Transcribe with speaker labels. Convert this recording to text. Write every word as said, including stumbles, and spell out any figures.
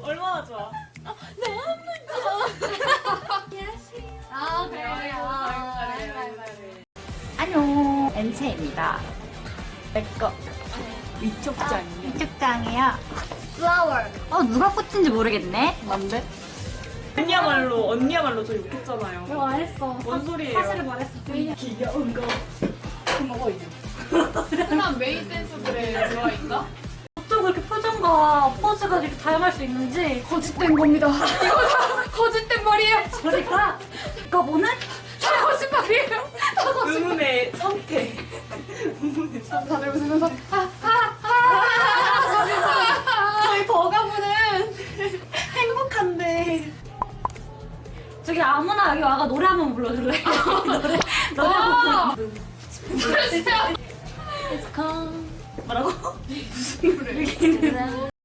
Speaker 1: 얼마나 좋아.
Speaker 2: 아
Speaker 1: 그래요.
Speaker 2: 안녕, 엔체입니다. 내꺼
Speaker 1: 위촉장이네.
Speaker 2: 이쪽장이야. 플라워. 어 누가 꽂힌지 모르겠네.
Speaker 1: 뭔데? 언니야말로 언니야말로 저 욕했잖아요.
Speaker 3: 이거 안 했어.
Speaker 1: 뭔 소리예요?
Speaker 3: 사실을 말했어.
Speaker 1: 귀여운 거. 먹어 이제.
Speaker 4: 흔한 메인 댄스들의 조화인가?
Speaker 3: 어쩜 그렇게 표정과 포즈가 이렇게 다양할 수 있는지
Speaker 4: 거짓된 겁니다. 이거 다 거짓된 말이에요.
Speaker 3: 저리가 이거 보는
Speaker 4: 다 거짓말이에요. 다 거짓말.
Speaker 1: 의문의 선택. 의문의 선택.
Speaker 4: 다들 웃으면서
Speaker 1: 저희 버가부는 행복한데.
Speaker 3: 저기 아무나 여기 와가 노래 한 번 불러줄래? 노래 노래
Speaker 4: 와.
Speaker 3: 한 번.
Speaker 4: 진짜.
Speaker 3: It's come.
Speaker 1: 뭐라고?
Speaker 4: 무슨 노래?